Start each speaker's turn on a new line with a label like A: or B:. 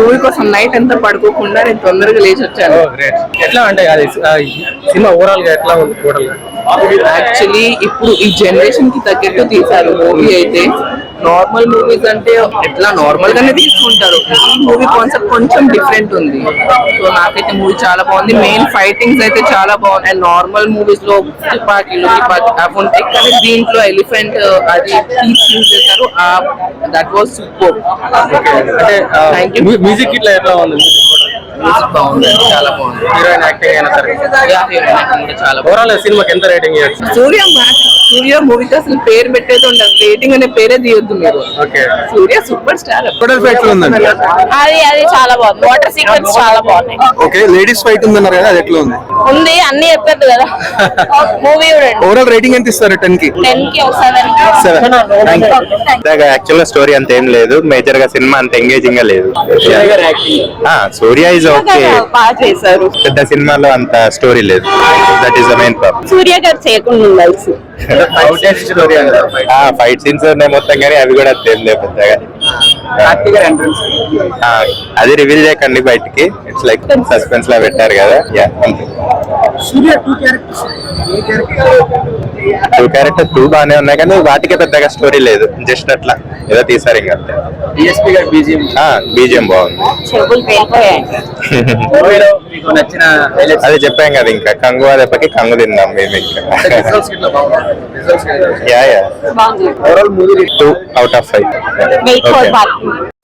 A: Movie కోసం night అంతా పడుకోకుండా నేను తొందరగా లేచి వచ్చాను.
B: ఎట్లా అంటే అది సినిమా ఓవరాల్ గా ఎట్లా ఉంది టోటల్ గా?
A: యాక్చువల్లీ ఇప్పుడు ఈ జనరేషన్ కి తగ్గట్టు తీశారు మూవీ అయితే. నార్మల్ మూవీస్ అంటే ఎట్లా నార్మల్ గానే తీసుకుంటారు, ఈ మూవీ కాన్సెప్ట్ కొంచెం డిఫరెంట్ ఉంది. సో నాకైతే మూవీ చాలా బాగుంది. మెయిన్ ఫైటింగ్స్ అయితే చాలా బాగుంది. అండ్ నార్మల్ మూవీస్ లో తుపాకీలు అవి ఉంటాయి, కానీ దీంట్లో ఎలిఫెంట్ అది యూజ్ చేశారు. That was super.
B: అంటే మ్యూజిక్ ఇట్లా ఎట్లా ఉంది?
A: మ్యూజిక్ బాగుంది, చాలా బాగుంది.
B: హీరోయిన్ యాక్టింగ్ అయినా సరే
A: హీరోయిన్ యాక్టింగ్ కూడా చాలా బాగుంది.
B: ఓవరాల్ సినిమాకి ఎంత రేటింగ్ ఇవ్వచ్చు?
A: సూర్య మూవీకి అసలు పేరు పెట్టేది ఉండదు, రేటింగ్ అనే పేరే తీయొద్దు మీరు.
B: Okay,
A: Surya super star.
C: అది చాలా బాగుంది. వాటర్ సీక్వెన్స్ చాలా బాగుంది.
D: ఓకే, లేడీస్ ఫైట్ ఉందన్నారు కదా, అది ఎట్లా ఉంది?
C: ఉంది, అన్ని చెప్పదు కదా. మూవీ
D: ఓవరాల్ రేటింగ్ ఎంత ఇస్తారు? 10 కి
C: 10 కి ఒకసారి.
E: యాక్చువల్ గా స్టోరీ అంత ఏం లేదు, మేజర్ గా సినిమా అంత ఎంగేజింగ్ గా లేదు. సూర్య ఇస్ ఓకే,
C: బాగా చేశారు.
E: పెద్ద సినిమాలో అంత స్టోరీ లేదు. That is the main problem.
C: Surya గారు చేయకుండా ఉండాల్సి.
E: ఫైట్ సీన్స్ ఉన్నాయి మొత్తం, కానీ అవి కూడా అంత ఏం లేదు పెద్దగా. అది రివీల్ చేయకండి బయటికి, ఇట్స్ లైక్ సస్పెన్స్ లా పెట్టారు కదా. టూ క్యారెక్టర్ 2 బాగానే ఉన్నాయి, కానీ వాటికే పెద్దగా స్టోరీ లేదు. జస్ట్ అట్లా ఏదో తీసారు ఇంకా అంతే. బీజిఎం బాగుంది. అదే చెప్పాం కదా, ఇంకా కంగు దెబ్బకి కంగు తిందాం మేము ఇంకా. 2 out of 5.